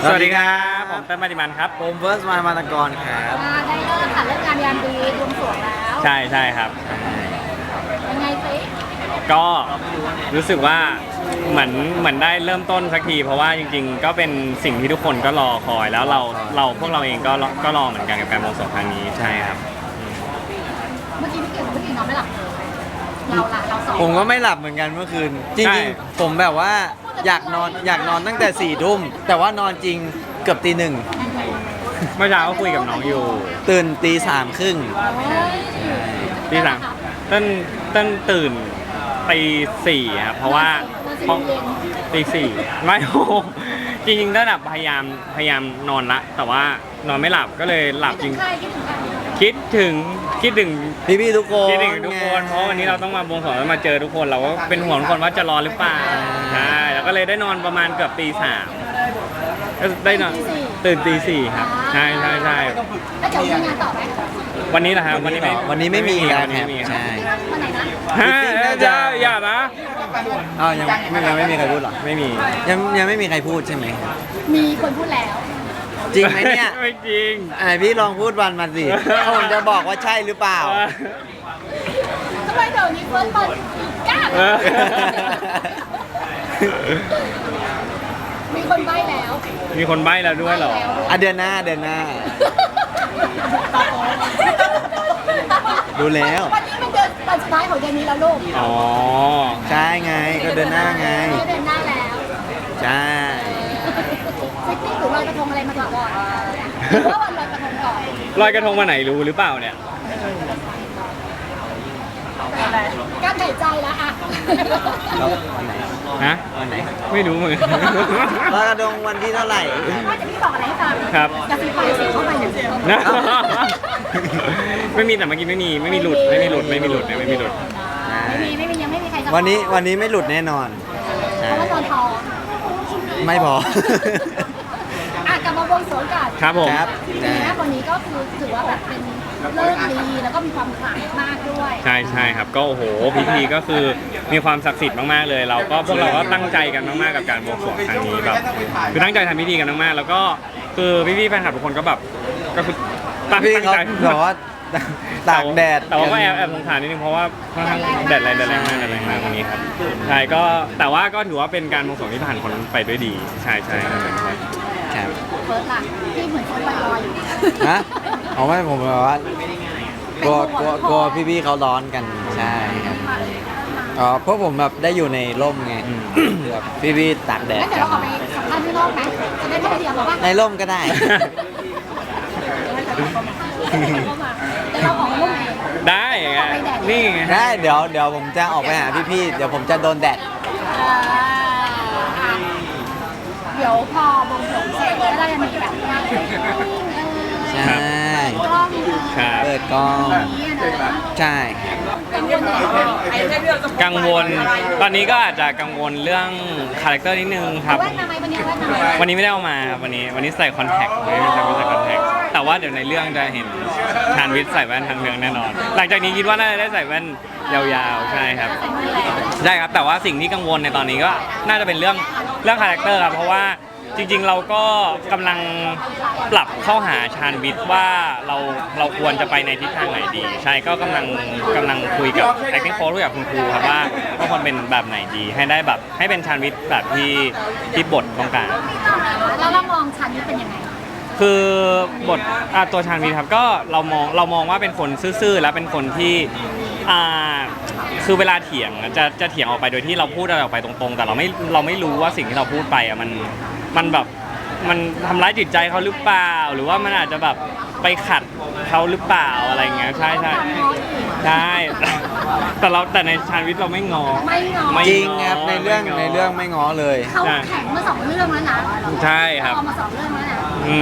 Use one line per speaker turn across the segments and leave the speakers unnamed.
สวัสดีครับผมเต้นมาดิมันครับ
ผมเฟิร์สมานากรครับ
ได้เลิกค่ะเลิกงานยามดีบวงสรวงแล้ว
ใช่ครับ
ยังไงสิ
ก็รู้สึกว่าเหมือนได้เริ่มต้นสักทีเพราะว่าจริงๆก็เป็นสิ่งที่ทุกคนก็รอคอยแล้วพวกเราเองก็รอเหมือนกันกับการบวงสรวงครั้งนี้ใช่ครับ
เมื่อกี้พี่เก่งเมื่อกี้นอนไม่หลับเลยเราสอง
ผมก็ไม่หลับเหมือนกันเมื่อคืนจริงๆผมแบบว่าอยากนอนตั้งแต่4 ทุ่มแต่ว่านอนจริงเกือบตี 1
เมื่อเช้าก็คุยกับน้องอยู่
ตื่นตี 3 ครึ่ง
ตี 3ต้นตื่นตี 4ครับเพราะว่าตี 4ไม่โอ้จริงๆก็แบบพยายามนอนละแต่ว่านอนไม่หลับก็เลยหลับจริงคิดถึง
พี่ทุกคน
คิดถึงทุกคนเพราะวันนี้เราต้องมาบวงสรวงแล้วมาเจอทุกคนเราก็เป็นห่วงทุกคนว่าจะรอหรือเปล่าใช่แล้วก็เลยได้นอนประมาณเกือบตี 3ก็ได้นอนตื่นตี 4ครับใช่
แล้วจะมีงานต่อไหม
วันนี้แหละครับวันนี้
ไม่มี
ครับ
ใช่
วันไหนนะ
อย่านะ
ยังไม่มีใครพูดหรอ
ไม่มี
ยังไม่มีใครพูดใช่ไหม
มีคนพูดแล้ว
จริงไหมเนี่ย
ไม่จริง
พี่ลองพูดวันมาสิผมจะบอกว่าใช่หรือเปล่า
ทำไมเดี๋ยวนี้เฟิร์สบอลกล้ามีคนใบ้แล้ว
ด้วยเหรอ
เดือนหน้าดูแล้ว
วันนี้มันเดือนสุดท้ายของเดือนนี้แล้วลูก
อ๋อ
ใช่ไงก็เดือนหน้าไง
เดือนหน้าแล้ว
ใช่
เซ็กซี่หรือลอยกระทงอะไรมาก่อนหรือว่าวันลอยกระทงก่อน
ลอยกระทงมาไหนรู้หรือเปล่าเนี่ย
การหายใจแล้วอะ
ฮะไม่รู้เหมือนกัน
ลอยกระทงวันที่เท่าไหร่
ว่าจะพี่บอกอะไรให้ฟัง
ครับ
จะฟีไฟเสียงเข้าไปหนึ่ง
ไม่มีแต่เมื่อกี้ไม่มีหลุดยังไม่มี
ใครจะ
วันนี้ไม่หลุดแน่นอน
เพราะว่าตอนทอง
ไม่พ
กลับมาบวงสรวงกัน
ครับผม
วันนี้ก็คือถือว่าแบบเป็นเลิกดีแล้วก็มีความขลังมากด้วย
ใช่ครับก็โอ้โหพิธีก็คือมีความศักดิ์สิทธิ์มากๆเลยพวกเราก็ตั้งใจกันมากๆกับการบวงสรวงครั้งนี้แบบคือตั้งใจทำพิธีกันมากๆแล้วก็คือพี่ๆแฟนคลับทุกคนก็แบบก็คือตั้งใจ
แบบว่าตากแดด
แต่ว่าก็แอบสงสารนิดนึงเพราะว่าค่อนข้างแดดแรงมากวันนี้ครับใช่ก็แต่ว่าก็ถือว่าเป็นการบวงสรวงที่ผ่านคนไปด้วยดีใช่
ครับ
เฟิร์สล่ะที่เหมือนคนลอยอยู่
ฮะเอาไม่ผมแบบว่ากลัวพี่ๆเขาร้อนกันใช่ครับเพราะผมแบบได้อยู่ในร่มไงแบบพี่ๆตากแดด
เดี๋ยวเราออกไปสัมภาษณ์ที่ร่มไหมจะได้ไม่เดียวหรอว่า
ในร่มก็ได้
เราออกร่มเอง
ได้ไงนี่ไง
ได้เดี๋ยวผมจะออกไปหาพี่ๆเดี๋ยวผมจะโดนแดด
เดี๋ยวพอบวงสรวงเสร็จแล้วเราจะมีแบบ
ใช่เปิดกล้องใช่
กังวลตอนนี้ก็อาจจะกังวลเรื่องคาแรคเตอร์นิดนึงครับวันนี้ไม่ได้เอามาครับวันนี้ใส่คอนแทคไม่ใส่คอนแทคแต่ว่าเดี๋ยวในเรื่องจะเห็นชาญวิทย์ใส่แว่นทางเรื่องแน่นอนหลังจากนี้คิดว่าน่าจะได้ใส่แว่นยาวๆใช่ครับได้ครับแต่ว่าสิ่งที่กังวลในตอนนี้ก็น่าจะเป็นเรื่องคาแรคเตอร์ครับเพราะว่าจริงๆเราก็กำลังปรับเข้าหาชาญวิทย์ว่าเราควรจะไปในทิศทางไหนดีใช่ก็กำลังคุยกับ acting coach กับคุณครูครับว่าควรเป็นแบบไหนดีให้ได้แบบให้เป็นชาญวิทย์แบบที่บทต้องการ
แล้วเรามองชาญวิทย์เป็นยังไง
คือบทตัวชาญวิทย์ครับก็เรามองว่าเป็นคนซื่อๆแล้วเป็นคนที่คือเวลาเถียงจะเถียงออกไปโดยที่เราพูดอะไรออกไปตรงๆแต่เราไม่รู้ว่าสิ่งที่เราพูดไปมันแบบมันทำร้ายจิตใจเขาหรือเปล่าหรือว่ามันอาจจะแบบไปขัดเขาหรือเปล่าอะไรเงี้ยใช่แต่ในชาญวิทย์เราไม่งอ
จริงครับในเรื่องไม่ง้อเลย
เขาแข่งมา2 เรื่องแล้วนะ
ใช่ครับ
มา2 เรื่องแล้วนะ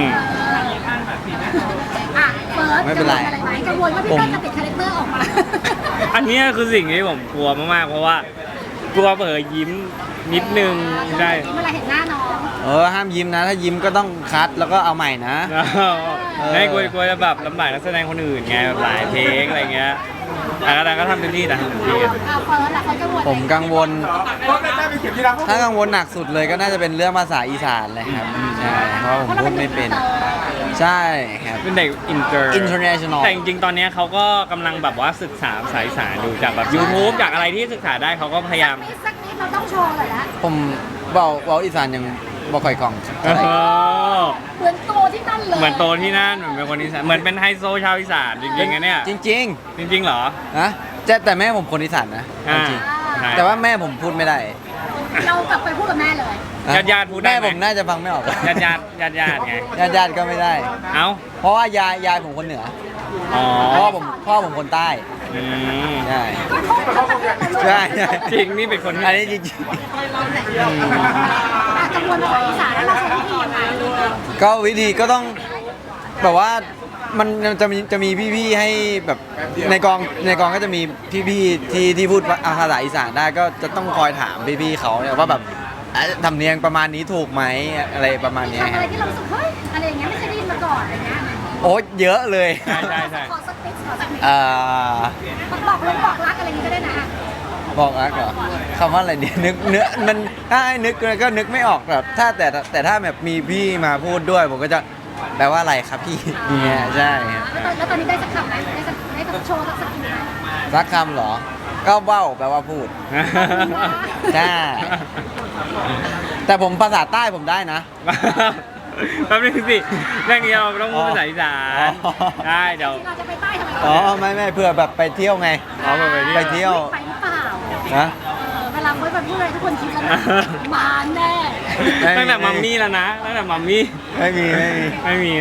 เฟิร์ส
ไม่เป็นไร
กังวลว่าพี่ต้นจะติดคาแรคเตอร์ออกมา
อันนี้คือสิ่งที่ผมกลัวมากๆเพราะว่ากลัวเผลอยิ้มนิดนึงใช่
เวลาเห็นหน้าน้อง
ห้ามยิ้มนะถ้ายิ้มก็ต้องคัดแล้วก็เอาใหม่นะ
ไม่กลัวจะแบบลำบากนักแสดงคนอื่นไงแบบหลายเพลงอะไรเงี้ยแต่ก็ทำเต็มที่แต่ทำเต็มที่อะ
เอาเฟิร์สล่ะเขาจะโหวต
ผมกังวล ถ้ากังวลหนักสุดเลยก็น่าจะเป็นเรื่องภาษาอีสานเลยครับใช่เพราะผมพูดไม่เป็น ใช่ครับ
เป็นเด็กอินเตอร์
international
แต่จริงๆ ตอนเนี้ยเขาก็กำลังแบบว่าศึกษาภาษาอีสานดูจากแบบ YouTube จากอะไรที่ศึกษาได้เขาก็พยายาม
สักนิดเราต้องโชว์เลยละ
ผมเบาอีสานยังบ่ค่อยคล่อง
เออ
เหมือนโตที่นั่นเลย
เหมือนโตที่นั่นเหมือนเป็นคนอีสานเหมือนเป็นไฮโซชาวอีสานจริงๆนะเนี่ย
จริง
จริงๆเหรอ
ๆนะแต่แม่ผมคนอีสานนะ
อ่า
จริง
ใช่
ๆแต่ว่าแม่ผมพูดไม่ได้
เรากลับไปพูดกับแม่เลย
นะ
ญาติๆพูดได้
แม่
ไหม
ผมน่าจะฟังไม่ออก
ญาติไง
ญาติก็ไม่ได้
เอ้า
เพราะว่ายายผมคนเหนือ
อ๋อ
พ่อผมคนใต้
อืม
ใช่
ก็โทษเขาประเทศนะลูก
ใช่
จริงนี่เป็นคน
อันนี้จริง
กังวลภาษาอีสานแล้วเราใช้วิธียังไง
ๆก็วิธีก็ต้องแบบว่ามันจะมีพี่ๆให้แบบในกองก็จะมีพี่ๆที่พูดภาษาอีสานได้ก็จะต้องคอยถามพี่ๆเขาเนี่ยว่าแบบทำเนียงประมาณนี้ถูกไหมอะไรประมาณ
มี
เนี้ย
คำอะไรที่เรารู้สึกเฮ้ยอะไรอย่างเงี้ยไม่เคยได้ยินมาก่อนอะไรเงี้ย
โอ้เยอะเลย
ใช่
ขอสักนิดขอสักนิด
บอก
รักอะไรอย่างงี้ก็ได้นะ
บอกรักเหรอคำว่าอะไรเนี่ยนึกเนื้อมันถ้าให้นึกก็นึกไม่ออกแบบแต่ถ้าแบบมีพี่มาพูดด้วยผมก็จะแปลว่าอะไรครับพี่เนี่ยใช่ครับ
แล้วตอนนี้ได้สักคำไหมได้สักโชว์สักทีไหม
รักคำเหรอ ก็เว้าแปลว่าพูด ใช่ แต่ผมภาษาใต้ผมได้นะ
แป๊บนึงสิเรื่องนี้เราต้องพูดภาษาอีสาน
อ๋อ
ได้เดี๋ยว
เราจะไปใต้ทำไม
อ๋อไม่เพื่อแบบไปเที่ยวไง
อ๋อไปเที่ยว
ไปเที่ยว
ไปหรือเปล่า
นะ
เวลาเฟิร์สไปพูดอะไรทุกคนคิดแล้วนะมาแน่
ตั้งแต่มัมมี่แล้วนะตั้งแต่มัมมี่
ไม่มี
ไม่มี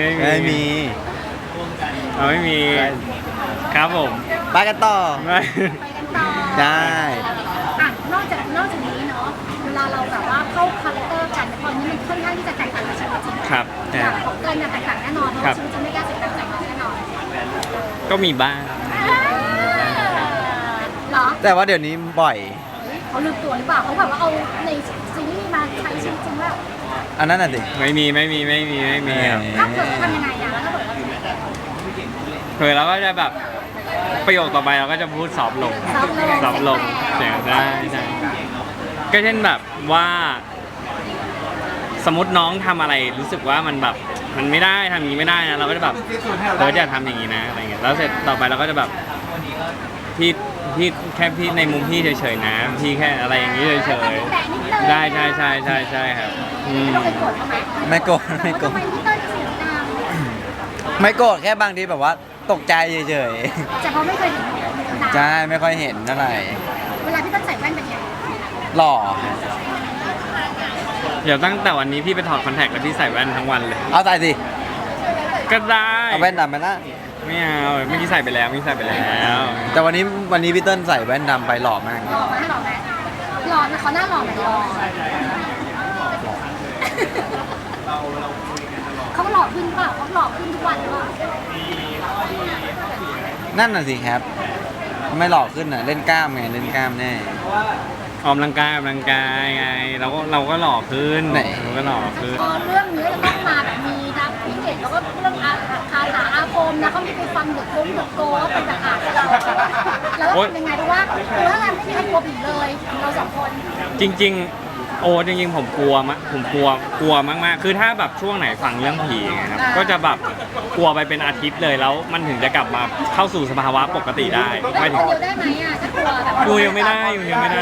เราไม่มีครับผม
ไปกันต่อ
ไม่
ไปกันต่อ
ได้
อ่ะนอกจากนี้เนาะเวลาเราแบบว่าเข้าคาแรคเตอร์กันตอนนี้มันค่อนข้างที่จะแตกต่างกับชีวิตจริง
ครับ
จากของเกินเนี่ยแตกต่างแน่นอนเพราะ
ครั
ว่า
บ
ชีวิตจริงไม่กล้าเสียงดังใส่น้องแน่นอน
ก็มีบ้าง
เหรอ
แต่ว่าเดี๋ยวนี้บ่อย
เขาลืมตัวหรือเปล่าเขาแบบว่าเอาในซีรีส์มาใช้ชีวิตจริงว่า
อันนั้นน่ะสิ
ไม่มีครับ
ถ้าเกิดทำยังไงอ่ะแล้วถ้าเกิดเราทำยังไง
เคยเราก็จะแบบประโยคต่อไปเราก็จะพูดซอฟต์ลง
ซอฟต์ลง
เสียงได้ใช่ก็เช่นแบบว่า สมมติน้องทำอะไรรู้สึกว่ามันแบบมันไม่ได้ทำอย่างนี้ไม่ได้นะเราก็จะแบบอย่าทำอย่างนี้นะอะไรเงี้ยแล้วเสร็จต่อไปเราก็จะแบบพี่แค่พี่ในมุมพี่เฉยๆนะพี่แค่อะไรอย่างนี้เฉยๆได้ใช่ครับอืม
ไม่ต้องไปโกรธเขาไหม
ไม่โกรธไม่โกรธ
ทำไมพี่เต้ยเสียงดัง
ไม่โกรธแค่บางทีแบบว่าตกใจเฉย
แต่เขาไม่เคยเห็นดัง
ๆใช่ไม่ค่อยเห็นเท่าไหร่
เวลาพี่เต้ยใส่แว่นเป็นไง
หล่อ
เดี๋ยวตั้งแต่วันนี้พี่ไปถอดคอนแทคแล้วพี่ใส่แว่นทั้งวันเลย
เอาใส่สิ
ก็ได้
เอาแว่นดำไปนะ
ไม่เอาเมื่อกี้ใส่ไปแล้ว
แต่วันนี้พี่เติ้ลใส่แว่นดำไปหล่อมาก
หล่อไหมหล่อไหมหล่อนะเขาหน้าหล่อไหมหล่อเขาหล่อขึ้นเปล่าเขาหล่อขึ้นทุกวันหรือเปล่า
นั่นน่ะสิครับ ไม่หล่อขึ้นน่ะเล่นกล้ามไงเล่นกล้ามแน่
ออกกำลังกายไงเราก็หล่อขึ้น
ไหน
เราก็หล่อขึ้น
พอเรื่องนี้จะต้องมาแบบมีนะพี่เกดแล้วก็เรื่องคาถาอาคมนะเขามีไปฟังเด็กโกว่าเป็นแบบอ่านเราแล้วก็เป็นยังไงรู้ว่าคือถ้าเราไม่มีใครกลัวผีเลยเราสองคน
จริงๆผมกลัวมากๆคือถ้าแบบช่วงไหนฟังเรื่องผีไงครับก็จะแบบกลัวไปเป็นอาทิตย์เลยแล้วมันถึงจะกลับมาเข้าสู่สภาวะปกติได้
แล้
ไม่
ว
ถึ
ค
ง
นเดียวได้ไหมอ่ะถ้ากลัวแบบ
อยู่ยังไม่ได้
ต้องยังไง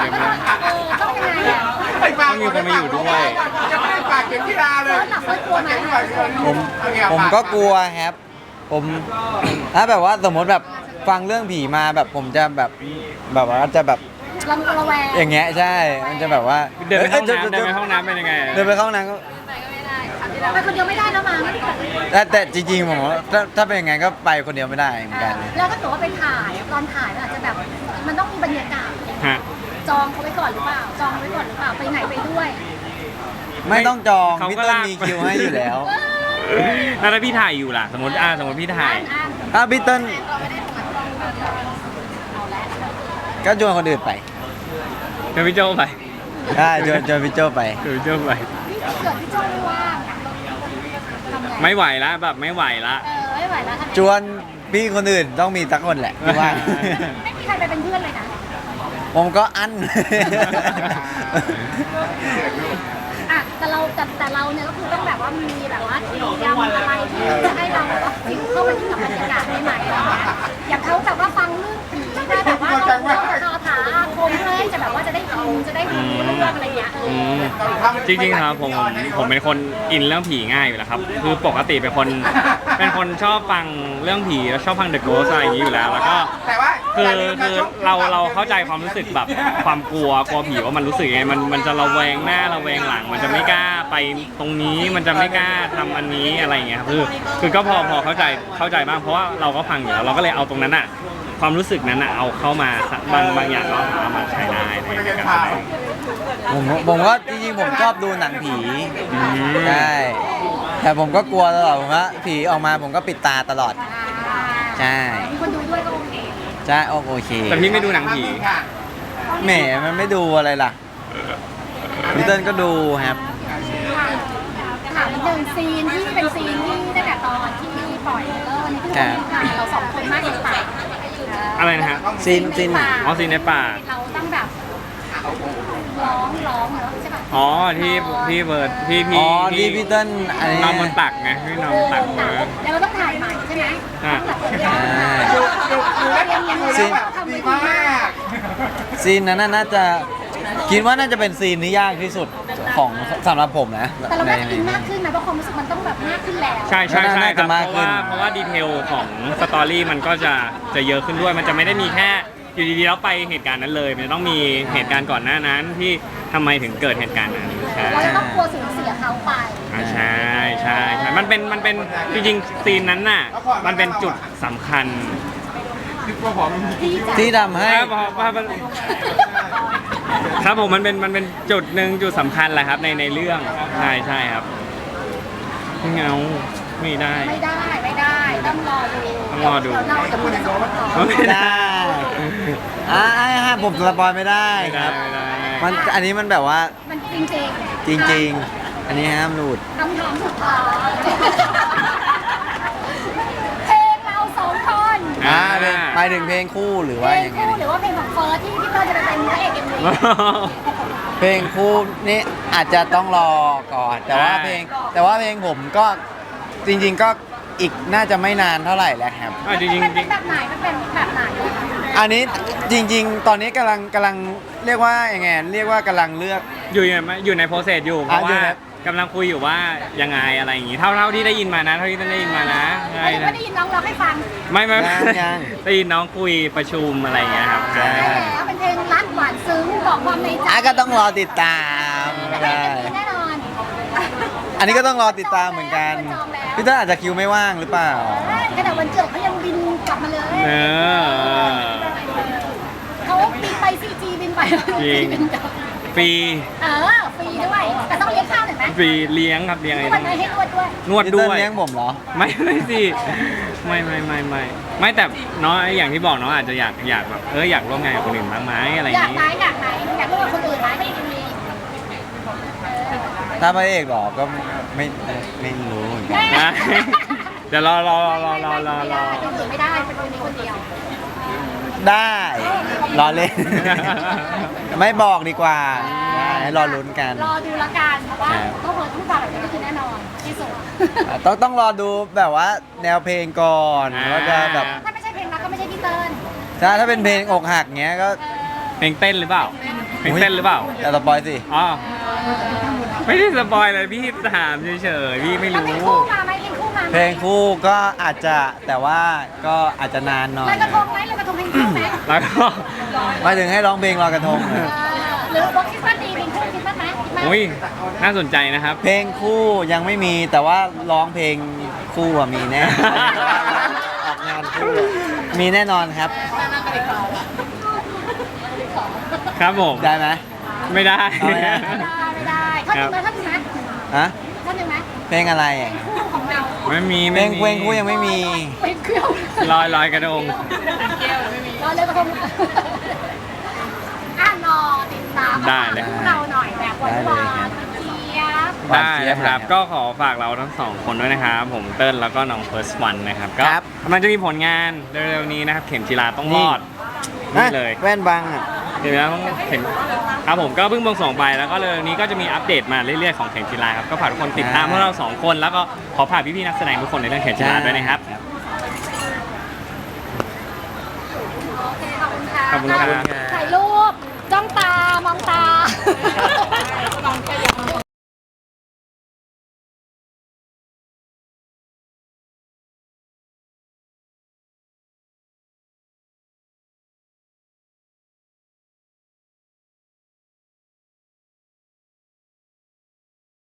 อ่ะ
ต้องมีคนมาอยู่ด้วย
ยังไม่ได้ฝากเข็มกีฬาเลย
เฟิร์สกลัวไหม
ผมก็กลัวครับ ผมถ้าแบบว่าสมมติแบบฟังเรื่องผีมาแบบผมจะแบบว่าจะแบบ
ระแวง
อย่างเงี้ยใช่ มันจะแบบว่า
เดินไปห้องน้ำเป็นยังไง
เดินไปเข้าห้องน้ำก็
ไปคนเดียวไม่ได้แล้วมั้ง
แต่จริงๆผมว่าถ้าเป็นยังไงก็ไปคนเดียวไม่ได้เหมือนกัน
แล้วถ้าเกิดว่าไปถ่ายตอนถ่ายมันอาจจะแบบมันต้องมีบรรยากาศ
ฮะ
จองเขาไว้ก่อนหรือเปล่าจองไว้ก่อนหรือเปล่าไปไหนไปด้วย
ไม่ต้องจอง
เขา
พี่
ก็
เติ้ล
ลาก
มีคิวให้อยู่แล้ว
แล้วถ้าพี่ถ่ายอยู่ล่ะสมมติพี่ถ่าย
ถ้าพี่เติ้ลก็ชวนคนอื่นไป
เดี๋ยวพี่โจไป
ได้ชวนพี่โจไป
เดี๋ยวพี่โจไป
เกิดพี่โจ้ไม่ว่างอะทำไง
ไม่ไหวละแบบไม่ไหวละ
ไม่ไหวแล้วทำไง
ชวนพี่คนอื่นต้องมีสักคนแหละพี่ว่า
ไม่มีใครไปเป็นเพื่อนเลยนะ
ผมก็อั้น
อ่ะแต่เราเนี่ยก็คือต้องแบบว่ามีแบบว่าเตรียมอะไรที่จะให้เราแบบว่าฟิลเข้าไปอยู่กับบรรยากาศใหม่ๆอะไรเงี้ยอย่างเขาแบบว่าฟังเรื่องผีได้แบบว่าเราคาถาอาคมเพื่อให้จะแบบว่าจะได้อินจะได้รู้เรื่องอะไรเงี้ย
จริงๆครับผมเป็นคนอินเรื่องผีง่ายอยู่แล้วครับคือปกติเป็นคนชอบฟังเรื่องผีแล้วชอบฟัง The Ghost อะไรอย่างนี้อยู่แล้วแล้วก็
แต่ว่า
คือเราเข้าใจความรู้สึกแบบความกลัวผีว่ามันรู้สึกยังไงมันจะระแวงหน้าระแวงหลัง มันจะไม่กล้าไปตรงนี้มันจะไม่กล้าทำอันนี้อะไรอย่างเงี้ยครับคือก็พอเข้าใจบ้างเพราะว่าเราก็ฟังอยู่แล้วเราก็เลยเอาตรงนั้นอะความรู้สึกนั้นอะเอาเข้ามาบางอย่างก็เอามาใช้ได้ในการแสดง
ผมก็จริงๆผมชอบดูหนังผีใช่แต่ผมก็กลัวตลอดผมว่าผีออกมาผมก็ปิดตาตลอดใช่
มีคนดูด้วยก็โอเค
ใช่โอเค
แต่พี่ไม่ดูหนังผี
แหมมันไม่ดูอะไรล่ะพี่เติ้ลก็ดูครับ
ถามนิดนึงซีนที่เป็นซีนที่ตั้งแต่ตอนที่ปล่อยเริ่มนี่คือเราสองคนมากเลยป่ะ
อะไรนะฮะ
ซีน
อ๋อซีนในป่า
เราต้องแบบร้องเหรอใช่ป่ะ
อ๋อที่เบิร์ดพี่
อ๋อที่พี่เติ้ลอันนี้
นอนบนตักไงพี่นอนบนตักมา
แล้วเราต้องถ่ายใหม่ใช่ไหม
อ่ะ
ดูแล้วดีมาก
ซีนนั้นน่าจะคิดว่าน่าจะเป็นซีนที่ยากที่สุดของสำหรับผมนะ
แต่เราได้อินมากขึ้นนะเพราะความรู้สึกมันต้องแบบมากขึ้นแล้ว
ใช่ครับ
น่าจะมาก
เพ
ขึ้น
ราะว่าดีเทลของสตอรี่มันก็จะเยอะขึ้นด้วย มันจะไม่ได้มีแค่อยู่ดีๆแล้วไปเหตุการณ์นั้นเลย มันจะต้องมีเหตุการณ์ก่อนหน้านั้นที่ทำไมถึงเกิดเหตุการณ์นั้นใช่
เราจะต้องกลัวสูญเสียเขาไป
ใช่มันเป็นจริงๆซีนนั้นน่ะมันเป็นจุดสำคัญ
ที่ทำให้
ครับผมมันเป็นจุดหนึ่งจุดสำคัญแหละครับในเรื่องใช่ครับเงาไม่ได้
ไม่ได้ต้องรอดู
ต้องรอดู
เดี๋ยวเราจะพูดกันสองคนต่อ
ไม่ได้ผมสปอยไม่ได้ครับ
ไม่ได้
มันอันนี้มันแบบว่า
มันจริง
จริง ๆ อันนี้ห้ามหลุด
คำถามสุดท้ายเพลงเราสองคน
หมายถึงเพลงคู่หรือ
เพ
ว่า
ลง
อย่างไง
คู่หรือว่าเพลงของเฟิร์สที่พี่เต้ยจะไปเป็นพระเอกเอ็มวี
เพลงคู่นี่อาจจะต้องรอก่อน แต่ว่าเพลงผมก็จริง ๆ ก็อีกน่าจะไม่นานเท่าไหร่แล้วครับ
จริง
มันเป็นแบบไหนมันเป็นแบบไหน
อันนี้จริง ๆ ตอนนี้กำลังเรียกว่ายังไงเรียกว่ากำลังเลือก
อยู่ในโปรเซสอยู่เพราะ
อยู่
ว่า
ใน
กำลังคุยอยู่ว่ายังไงอะไรอย่างงี้เท่าที่ได้ยินมานะเท่าที่ได้ยินมานะใช่
ไม่ได้ยินน้องร้องให้ฟัง
ไม่
ยัง
ได้ยินน้องคุยประชุมอะไรอย่างเงี้ยครับ
ใช่
ได้แล้วเป็นเพลงรักหวานซึ้งบอกความในใจ
ก็ต้องรอติดตาม
แต่
ใช่
เป็นแน่นอน
อันนี้ก็ต้องรอติดตามเหมือนกันพี่เต้ลอาจจะคิวไม่ว่างหรือเปล่า
ขณะวันเกิดเขายังบินกลับมาเลย
เออ
เขาบินไปซีจีบินไป
จริง
บินกลับ
ฟรี
ฟรีด้วยแต่ต้องเลี้ยงข้าวหน่อยไหม
ฟรีเลี้ยงครับเลี้ยง
น
ไอ้
วดไหมให้นวดด้วย
นวด
พี่
ด้
เต้ล
วย
เลี้ยงผมเหรอ
ไม่สิไม่แต่น้องอย่างที่บอกน้องอาจจะอยากแบบอยากร่วมงานกับคนอื่นบ้างไหมอะไรอ
อยา
ย่าก ง
ไหน
งี้
อยากไหนอยากร่วมกับคนอื่นไหมไม่มี
ถ้าพระเอกเหรอก็ไม่รู้เหมือนกัน
นะ เดี๋ยวรอ
คนอื่นไม่ได้เป็นคนนี้คนเดียว
ได้รอเล่น ไม่บอกดีกว่าให้รอลุ้นกัน
รอดูละกันเพราะว่าต้องเปิดทุกแบบนี้ก็คือแน่นอนที่สุด
ต้องรอดูแบบว่าแนวเพลงก่อนว่าจะแบบ
ถ้าไม่ใช่เพลงรักก็ไม่ใช่พี่เติ้ล
ถ้าเป็นเพลงอกหักเงี้ยก็
เพลงเต้นหรือเปล่าเพลงเต้นหรือเปล่า
อย่าสปอยสิ
อ๋อไม่ได้สปอยเลยพี่ถามเฉยๆพี่ไม่
แล้ว
รู้
เพลงคู่มาไหมเพลงคู่มาไหม
เพลงคู่ก็อาจจะแต่ว่าก็อาจจะนานหน่อย
ลอยกระทงไหมลอยกระทงเพลงคู่ไหม
แล้วก็
หมายถึงให้ร้องเพลงลอยกระทงนะ
หรือบอกคริสต์มาสดีเพลงคู่คริสต์มาสไหม
อุ้ยน่าสนใจนะครับ
เพลงคู่ยังไม่มีแต่ว่าร้องเพลงคู่อะมีแน่ ออกงานคู่มีแน่นอนครับ
ครับผม
ได้ไหม
ไม่ได้
เอาไม่ได้
ไม่ได้ท่อนหนึ่งไหมท่อนหนึ่งไหม
ฮะ
ท่อนหนึ่งไหม
เพลงอะไรอะ
คู่ของเรา
ไม่มี
เพลงคู่ยังไม่มี
เพลงเครื่อง
ลอยกระทง
รอเลยกระทงรอติดตาม
ได้เลย
คู่เราหน่อยแบบหวานๆเจี๊ยบ
หวาน
ได้
เจี๊ยบ
นะครับ
เลย
ก็ขอฝากเราทั้งสองคนด้วยนะครับผมเติ้ลแล้วก็น้องเฟิร์สวันนะครับก็
ครับ
มันจะมีผลงานเร็วๆนี้นะครับเข็มจีราต้องรอด
นี่
นี่เลย
แว่นบังอ่ะ
เดี๋ยวนะต้องเข็มครับผมก็เพิ่งบวงสรวงไปแล้วก็เร็วๆนี้ก็จะมีอัปเดตมาเรื่อยๆของเข็มจีราครับก็ฝากทุกคนติดตามพวกเราสองคนแล้วก็ขอฝากพี่ๆนักแสดงทุกคนในเรื่องเข็มจีราด้วยนะครับ
โอเคขอบคุณค่ะ
ขอบคุณครับ
ถ่ายรูปจ้องตามองตา